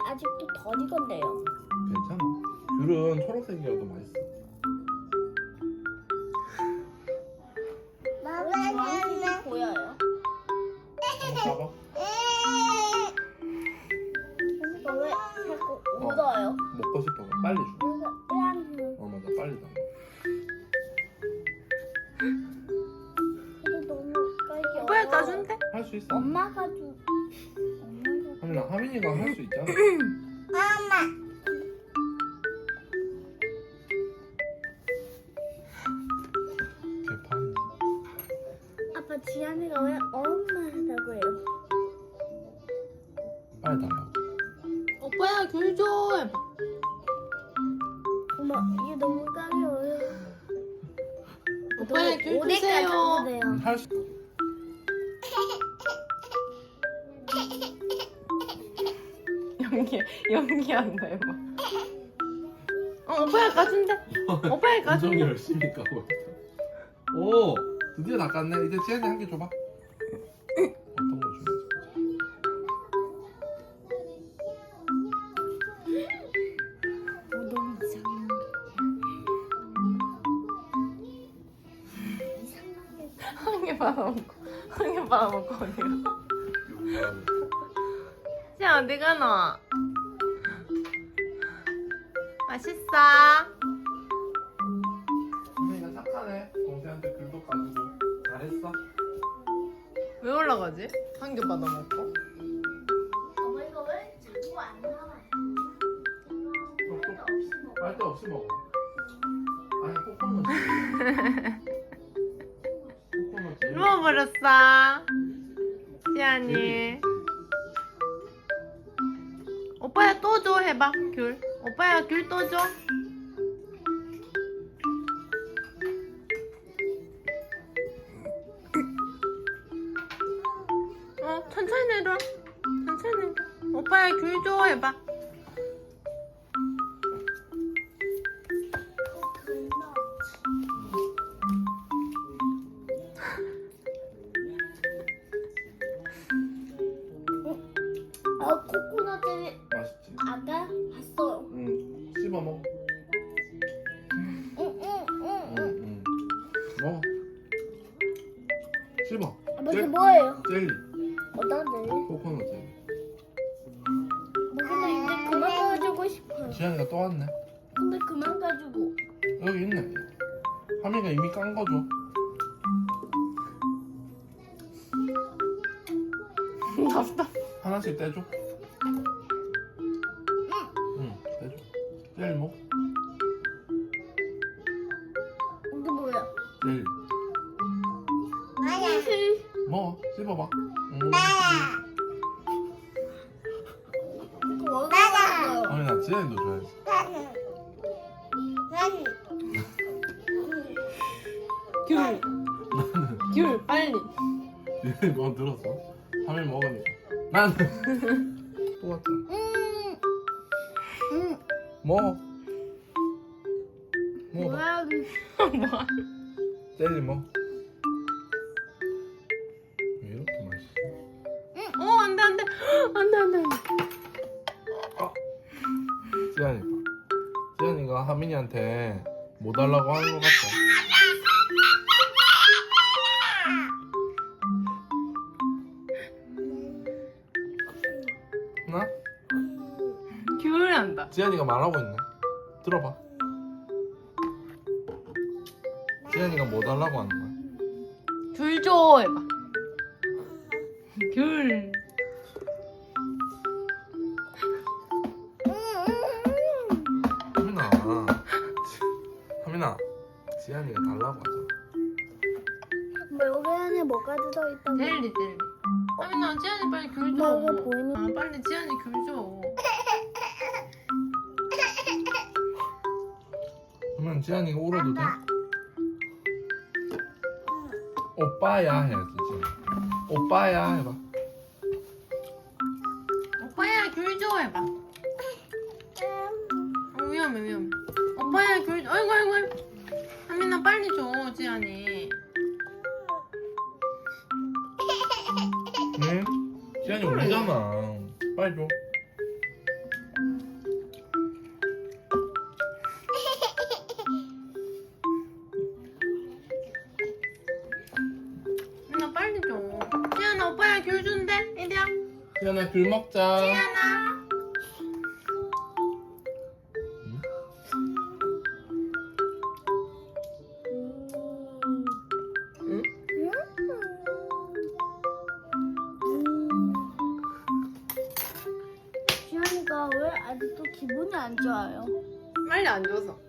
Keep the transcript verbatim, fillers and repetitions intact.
아직도 덜 익었네요. 괜찮아. 귤은 초록색이어도 맛있어. 주황색이 보여요. 한번 봐봐. 이거 왜 자꾸 묻어요? 먹고 싶어. 빨리 줘. 이거 왜 어 맞아, 빨리 담아. 이거 너무 까기 오빠야 어려워. 까준대? 할 수 있어. 엄마가 주. 엄마가. 하민아, 하민이가 할 수 있잖아. 엄마. 개판. 아빠 지안이가 왜 엄마 하다고 해요? 빨리 달라고. 오빠야 귤 줘 해봐. 엄마 이게 너무 까기 어려워. 오빠야 귤 오대까지 주세요. 하면 돼요. 할 수. 연기 연기한다 해봐. 어 오빠야 까준대. 오빠야 엄청 까준대. 열심히 까고 있어. 오, 드디어 다 깠네. 이제 지안이 한 개 줘봐. 어떤 거 주는지. 어, 너무 이상해. 이상하게. 한 개 받아먹고 한 개 받아먹고 어디가? 쟤 어디 가노? 맛있어? 하민이가 착하네. 동생한테 귤도 까주고. 잘했어. 왜 올라가지? 한 개 받아먹고? 엄마 이거 왜 자꾸 안 나와요? 빨대 없이 먹어. 아니, 코코넛. 코코넛. 제일 누워버렸어. 지안이. 오빠야 또 줘 해봐 귤. 오빠야 귤 또 줘. 어 천천히 내려. 천천히 내려. 오빠야 귤 줘 해봐. 아 코코넛을 맛있지? 아까 봤어요. 응. 씹어 먹어. 응응응. 응, 응. 먹어. 씹어. 아빠 이게 젤- 뭐예요? 젤리. 어떤데? 코코넛 젤리. 근데 이제 그만 가지고 싶어요. 지안이가 또 왔네. 근데 그만 가지고. 여기 있네. 하민이가 이미 깐 거 줘. 답답. 하나씩 떼줘. 응, 떼줘. 젤리 먹. 이게 뭐야? 젤리. 나야. 먹어. 씹어봐. 응. 이거 나야. 하민아, 지안이도 줘야지. 귤. 귤 빨리. 지안이 뭐 들었어? 하민 먹으니까. 난. 또 왔잖아. 음. 음. 먹어. 먹어봐. 뭐야? 뭐야? 젤리 먹어. 왜 이렇게 맛있어? 어 안돼 안돼 안돼 안돼 안돼. 아, 지안이. 지안이가 하민이한테 뭐 달라고 하는 것 같아. 나? 귤 한다. 지안이가 말하고 있네. 들어봐. 지안이가 뭐 달라고 하는 거야? 귤 줘 해봐. 귤. 하민아. 하민아. 지안이가 달라고 하잖아. 뭐 여기 안에 뭐가 들어있다고? 젤리 젤리. 하민아 지안이 빨리 귤 엄마 줘. 이거 보이는. 아 빨리 지안이 귤 줘. 그러면 지안이가 울어도 돼? 오빠야 해야지. 지안이. 오빠야 해봐. 오빠야 귤 줘 해봐. 어, 위험해 위험해. 오빠야 귤 줘. 아이고 아이고 아이고. 하민아 빨리 줘 지안이. 네? 지안이 울잖아. 빨리 줘. 지안아 귤 먹자. 지안아. 응? 응? 지안이가 왜 아직도 기분이 안 좋아요? 빨리 안 줘서.